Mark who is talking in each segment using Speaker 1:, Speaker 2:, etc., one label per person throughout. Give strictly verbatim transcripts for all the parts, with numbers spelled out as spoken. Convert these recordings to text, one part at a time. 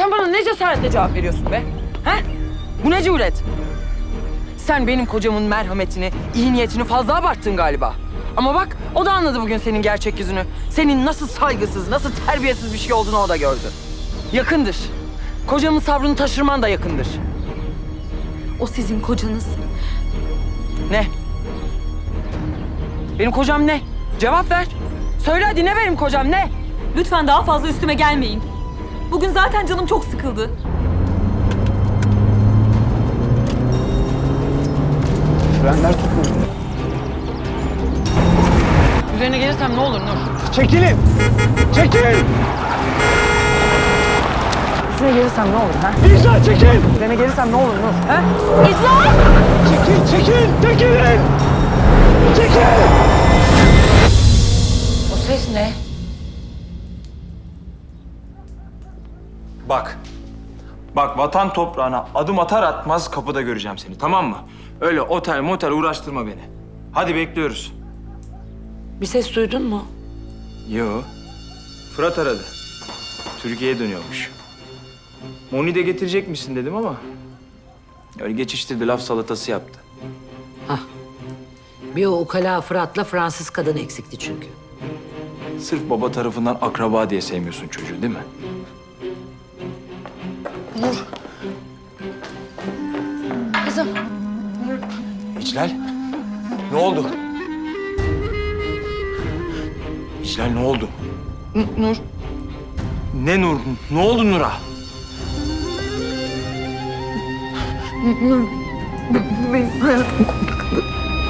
Speaker 1: Sen bana ne cesaretle cevap veriyorsun be? He? Bu ne cüret? Sen benim kocamın merhametini, iyi niyetini fazla abarttın galiba. Ama bak, o da anladı bugün senin gerçek yüzünü. Senin nasıl saygısız, nasıl terbiyesiz bir şey olduğunu o da gördü. Yakındır. Kocamın sabrını taşırman da yakındır.
Speaker 2: O sizin kocanız.
Speaker 1: Ne? Benim kocam ne? Cevap ver. Söyle hadi, ne benim kocam, ne?
Speaker 2: Lütfen daha fazla üstüme gelmeyin. Bugün zaten canım çok sıkıldı.
Speaker 3: Frenler tutmuyor.
Speaker 1: Üzerine gelirsem ne olur Nur?
Speaker 3: Çekilin! Çekilin!
Speaker 1: Üzerine gelirsem ne olur ha?
Speaker 3: İcra çekil!
Speaker 1: Üzerine gelirsem ne olur Nur? Ha?
Speaker 3: Çekil, çekil, çekilin! Çekil!
Speaker 1: O ses ne?
Speaker 4: Bak. Bak, vatan toprağına adım atar atmaz kapıda göreceğim seni, tamam mı? Öyle otel motel uğraştırma beni. Hadi bekliyoruz.
Speaker 5: Bir ses duydun mu?
Speaker 4: Yo. Fırat aradı. Türkiye'ye dönüyormuş. Moni de getirecek misin dedim ama... öyle geçiştirdi, laf salatası yaptı.
Speaker 5: Hah. Bir o ukala Fırat'la Fransız kadın eksikti çünkü.
Speaker 4: Sırf baba tarafından akraba diye sevmiyorsun çocuğu, değil mi?
Speaker 1: Kızım.
Speaker 4: İclal, ne oldu? İclal, ne oldu?
Speaker 1: N- Nur.
Speaker 4: Ne Nur? Ne oldu Nur'a?
Speaker 1: Nur. Benim hayatım kurtardı.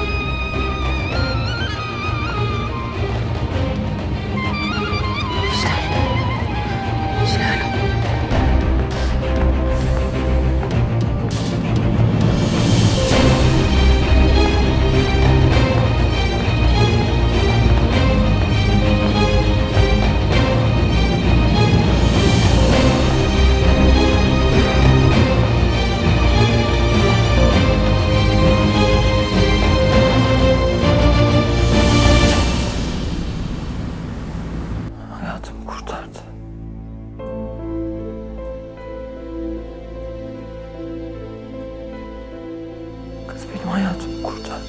Speaker 1: Hayatımı kurtardı. Kız benim hayatımı kurtardı.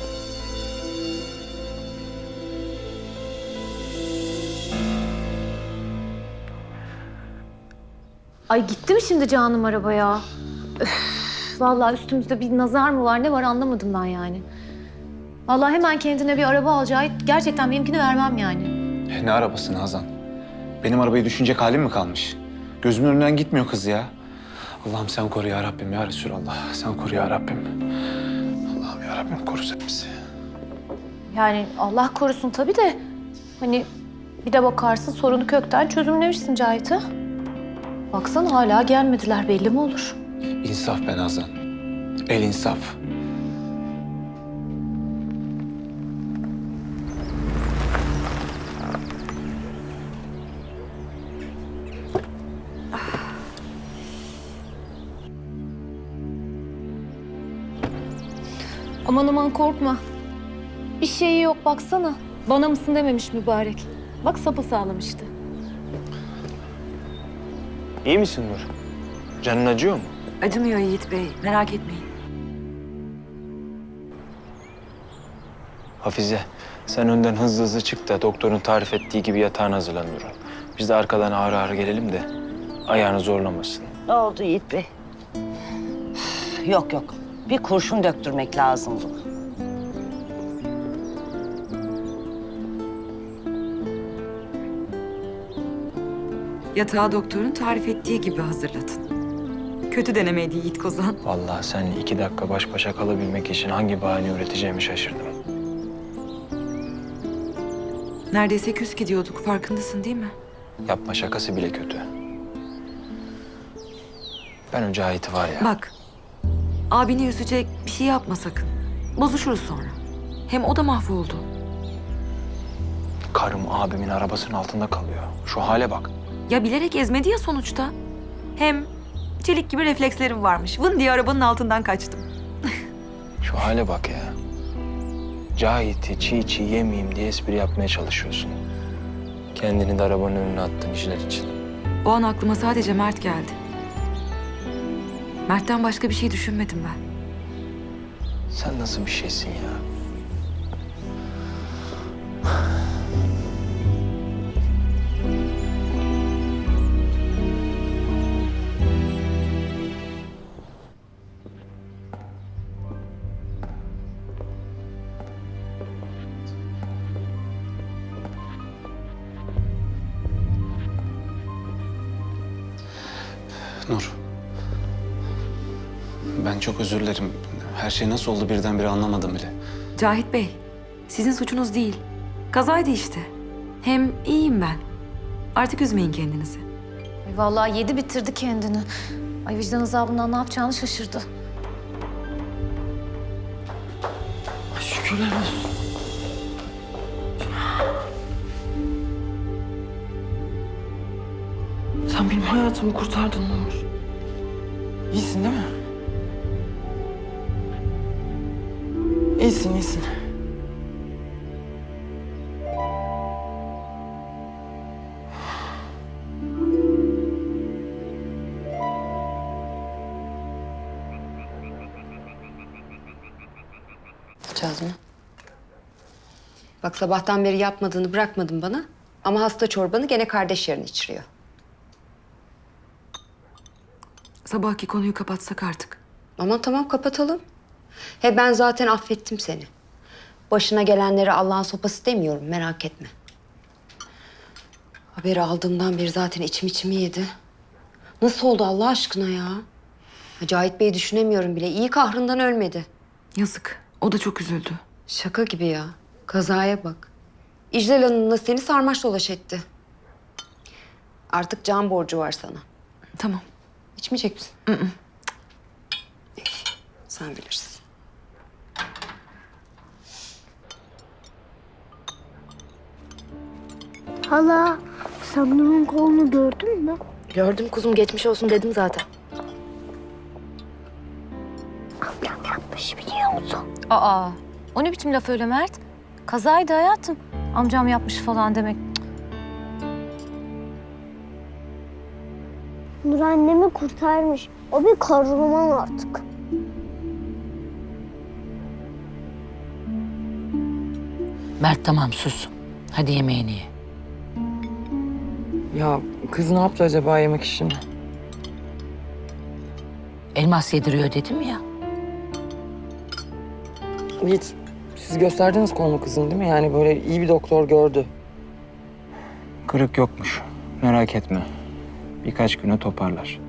Speaker 6: Ay gitti mi şimdi Canım arabaya? Öf, vallahi üstümüzde bir nazar mı var ne var anlamadım ben yani. Vallahi hemen kendine bir araba alacağı gerçekten benimkini vermem yani.
Speaker 3: Ne arabası Nazan? Benim arabayı düşünecek halim mi kalmış? Gözümün önünden gitmiyor kız ya. Allah'ım sen koru ya Rabbim ya Resulallah. Sen koru ya Rabbim. Allah'ım ya Rabbim koru sen bizi.
Speaker 6: Yani Allah korusun tabii de hani bir de bakarsın sorunu kökten çözümlemişsin Cahit'i. Baksana hala gelmediler belli mi olur?
Speaker 3: İnsaf be Nazan. El insaf.
Speaker 6: Aman aman korkma. Bir şeyi yok baksana. Bana mısın dememiş mübarek. Bak sapasağlam işte.
Speaker 4: İyi misin Nur? Canın acıyor mu?
Speaker 5: Acımıyor Yiğit Bey, merak etmeyin.
Speaker 4: Hafize, sen önden hızlı hızlı çık da doktorun tarif ettiği gibi yatağına hazırlan Nur'un. Biz de arkadan ağır ağır gelelim de ayağını zorlamasın.
Speaker 7: Ne oldu Yiğit Bey? Yok yok. Bir kurşun döktürmek lazım buna.
Speaker 2: Yatağı doktorun tarif ettiği gibi hazırlatın. Kötü denemeydi Yiğit Kozan.
Speaker 4: Vallahi sen iki dakika baş başa kalabilmek için hangi bahane üreteceğimi şaşırdım.
Speaker 2: Neredeyse küs gidiyorduk, farkındasın değil mi?
Speaker 4: Yapma, şakası bile kötü. Ben önce Cahit'i var ya...
Speaker 2: Bak, abini üzecek bir şey yapma sakın. Bozuşuruz sonra. Hem o da mahvoldu.
Speaker 4: Karım abimin arabasının altında kalıyor. Şu hale bak.
Speaker 2: Ya bilerek ezmedi ya sonuçta. Hem çelik gibi reflekslerim varmış. Vın diye arabanın altından kaçtım.
Speaker 4: Şu hale bak ya. Cahit'i çiğ çiğ yemeyeyim diye espri yapmaya çalışıyorsun. Kendini de arabanın önüne attın işler için.
Speaker 2: O an aklıma sadece Mert geldi. Mert'ten başka bir şey düşünmedim ben.
Speaker 4: Sen nasıl bir şeysin ya?
Speaker 3: Nur. Ben çok özür dilerim. Her şey nasıl oldu birdenbire anlamadım bile.
Speaker 2: Cahit Bey, sizin suçunuz değil. Kazaydı işte. Hem iyiyim ben. Artık üzmeyin kendinizi.
Speaker 6: Ay vallahi yedi bitirdi kendini. Ay vicdan azabından ne yapacağını şaşırdı.
Speaker 1: Şükürler olsun. Sen benim hayatımı kurtardın Nur. İyisin değil mi? İyisin, iyisin.
Speaker 8: Yapacağız mı? Bak sabahtan beri yapmadığını bırakmadın bana. Ama hasta çorbanı gene kardeş yerine içiriyor.
Speaker 2: Sabahki konuyu kapatsak artık.
Speaker 8: Aman tamam kapatalım. He ben zaten affettim seni. Başına gelenleri Allah'ın sopası demiyorum merak etme. Haberi aldığımdan beri zaten içim içimi yedi. Nasıl oldu Allah aşkına ya? Cahit Bey'i düşünemiyorum bile. İyi kahrından ölmedi.
Speaker 2: Yazık. O da çok üzüldü.
Speaker 8: Şaka gibi ya. Kazaya bak. İclal Hanım'la seni sarmaş dolaş etti. Artık can borcu var sana.
Speaker 2: Tamam.
Speaker 8: İçmeyecek misin? Hı hı. Sen bilirsin.
Speaker 9: Hala, sen Nur'un kolunu gördün mü?
Speaker 6: Gördüm kuzum, geçmiş olsun dedim zaten.
Speaker 9: Amcam yapmış biliyor musun?
Speaker 6: Aa, o ne biçim laf öyle Mert? Kazaydı hayatım. Amcam yapmış falan demek.
Speaker 9: Nur annemi kurtarmış. O bir kahraman artık.
Speaker 5: Mert tamam sus. Hadi yemeğini ye.
Speaker 1: Ya kız ne yaptı acaba yemek işini?
Speaker 5: Elmas yediriyor dedim ya.
Speaker 1: Hiç. Siz gösterdiniz kolunu kızın değil mi? Yani böyle iyi bir doktor gördü.
Speaker 4: Kırık yokmuş. Merak etme. Birkaç güne toparlar.